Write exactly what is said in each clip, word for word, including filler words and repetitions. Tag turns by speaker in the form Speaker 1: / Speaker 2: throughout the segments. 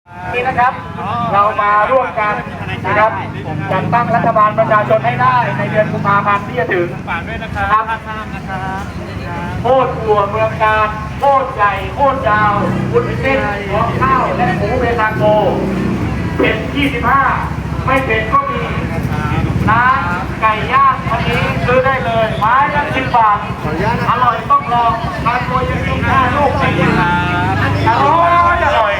Speaker 1: นี่นะครับเรามาร่วมกันนะครับจัดตั้งรัฐบาลประชาชนให้ได้ในเดือนกุมภาพันธ์ที่จะถึง
Speaker 2: ฝากด้วยนะครับข้ามนะครับ
Speaker 1: โคตรอัวเมืองการโคตรใหญ่โคตรยาวบุญเส้นหัวข้าวและหมูเบตาโกเผ็ดยี่สิบห้าไม่เผ็ดก็มีร้านไก่ย่างวันนี้ซื้อได้เลยไม้ละสิบบาทอร่อยต้องลองทานตัวยังต้องห้าลูกไปยังอร่อยอร่อย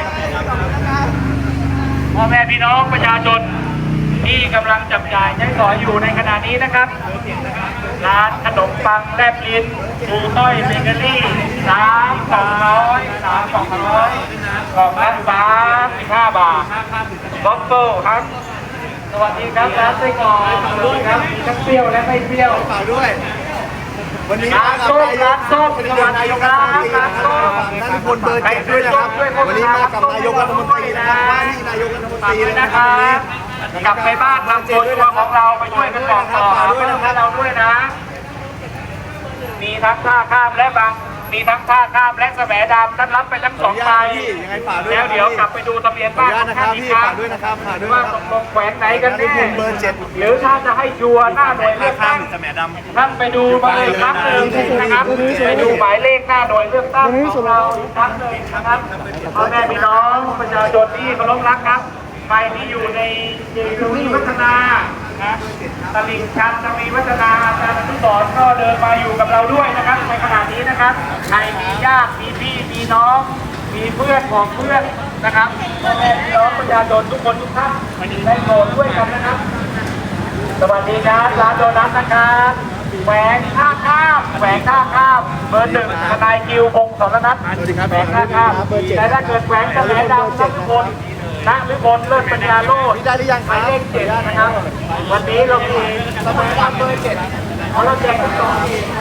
Speaker 1: พ่อแม่พี่น้องประชาชนที่กำลังจับจ่ายใช้สอยอยู่ในขณะนี้นะครับร้านขนมปังแลบลิ้นปูต้อยเบเกอรี่สามสองร้อยสามสองร้อยกล่องละสามสิบห้าบาทบ๊อบเบิ้ลครับสวัสดีครับร้านไส้กรอกด้วยครับมีทั้งเปรี้ยวและไม่เปรี้ยว
Speaker 3: ฝากด้วยวันนี้
Speaker 1: ร้านส้มร้านส้มสวัสดีครับร้านส้ม
Speaker 3: ท่านพลเบอร์เจ็ดด้วยนะครับวันนี้มากับนายกรัฐมนตรีนะครับว่าที่นายกรัฐมนตรี
Speaker 1: นะ
Speaker 3: นะ
Speaker 1: ค
Speaker 3: ค
Speaker 1: รั
Speaker 3: รับบ
Speaker 1: กลับไปบ้านทำตัวตัวของเราไปช่วยกันบอกต่อหาเพื่อนเราด้วยนะ มีทั้งท่าข้ามและบางมีทั้งท่าข้ามและแสมดำท่านรับไปทั้งสองใบ
Speaker 3: ยังไงฝากด้วย
Speaker 1: แล้วเดี๋ยวกลับไปดูทะเบียน
Speaker 3: ขอ
Speaker 1: บ้า
Speaker 3: อน นุญาต
Speaker 1: ของ
Speaker 3: นะค
Speaker 1: ท่า
Speaker 3: รั
Speaker 1: น
Speaker 3: บ
Speaker 1: อีก
Speaker 3: พี่
Speaker 1: ครั้
Speaker 3: ฝาง กด้วยนะครับฝากด้วย
Speaker 1: ว่า
Speaker 3: นะค
Speaker 1: ต
Speaker 3: รับ
Speaker 1: กลงแขวงไหนกันแน่
Speaker 3: พลเบอร์เจ็ด
Speaker 1: หรือถ้าจะให้ชัวร์หน้าหน่วยเลือกตั้ง
Speaker 2: สมัยดำ
Speaker 1: ท่านไปดูมาเลยครั้งหนึ่งนะครับไปดูหมายเลขหน้าหน่วยเลือกตั้งของเราอีกครั้งหนึ่งนะครับพ่อแม่พี่น้องประชาชนที่เคารพรักครับใครที่อยู่ในเจดีย์วัฒนานะตลิ่งชันตมีวัฒนาอาจารย์อนุสรณ์ก็เดินมาอยู่กับเราด้วยนะครับในขณะนี้นะครับใครมีญาติมีพี่มีน้องมีเพื่อนของเพื่อนนะครับพ่อแม่พี่น้องประชาชนทุกคนทุกท่านได้โปรดด้วยกันนะครับ สวัสดีครับร้านโดนัทนะครับแหวงท่าข้ามแหวงท่าข้ามเบอร์หนึ่งทนายคิวพงศ์สรนัทแหวงท่าข้ามแต่ถ้าเกิดแหวงจะแหลดำนักบนนักหรือบนเลิศปัญญาโลด
Speaker 3: ได้หรือยัง
Speaker 1: ห
Speaker 3: ครั
Speaker 1: มาย
Speaker 3: บ
Speaker 1: เลขเจ็ดนะครับวันนี้เรามีสมัยดำเบอร์เจ็ดเพราะเราแจกทุกกล่อง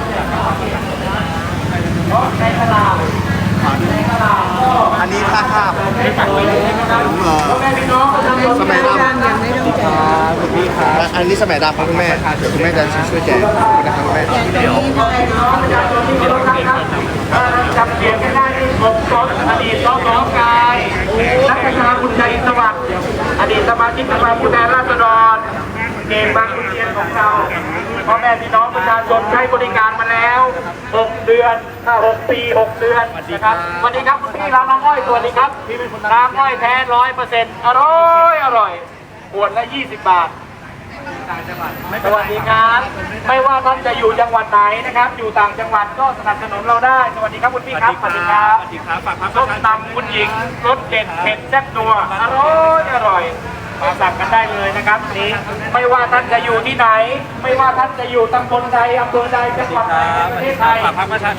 Speaker 1: เพราะในตลาดในตลาดก็
Speaker 3: อันนี้ท่าข้าม
Speaker 1: ไม่สั่งไปเลยนะครับพ่อแม่พี่น้องประชาชน
Speaker 3: สมัยดำยังไม่ต้องแจกคุณพี่ครับอันนี้สมัยดำครับคุณแม่เดี๋ยวคุณแม่จะช่วยแจกนะครับคุณแม่
Speaker 1: พ่อแม่พี่น้องประชาชนที่เคารพรักครับจำเสียงกันได้ที่ผมสอนอดีตสสกายนักประชาคุณใจสวัสดิ์อดีตสมาชิกสภาผู้แทนราษฎรเกมบางขุนเทียนของเราพ่อแม่พี่น้องประชาชนใช้บริการมาแล้วหกเดือนหกปีหกเดือนนะครับสวัสดีครับคุณพี่ร้านน้ำอ้อยสวัสดีครับน้ำอ้อยแท้ร้อยเปอร์เซ็นต์อร่อยอร่อยขวดละยี่สิบบาท สวัสดีครับไม่ว่าท่านจะอยู่จังหวัดไหนนะครับ อยู่ต่างจังหวัดก็สนับสนุนเราได้สวัสดีครับคุณพี่ครับสวัสดีครับ
Speaker 2: สวัสดีครับฝากพักป
Speaker 1: ส้
Speaker 2: ระ
Speaker 1: ม
Speaker 2: ชาชน
Speaker 1: ตำคุณหญิงรสเด็ดเผ็ดแซ่บนัวอร่อยอร่อยมาสั่งกันได้เลยนะครับนี้ไม่ว่าท่านจะอยู่ที่ไหน ไม่ว่าท่านจะอยู่ตำบลใดอำเภอใดจังหวัดใดในประเทศไทย
Speaker 2: ฝากพักประชา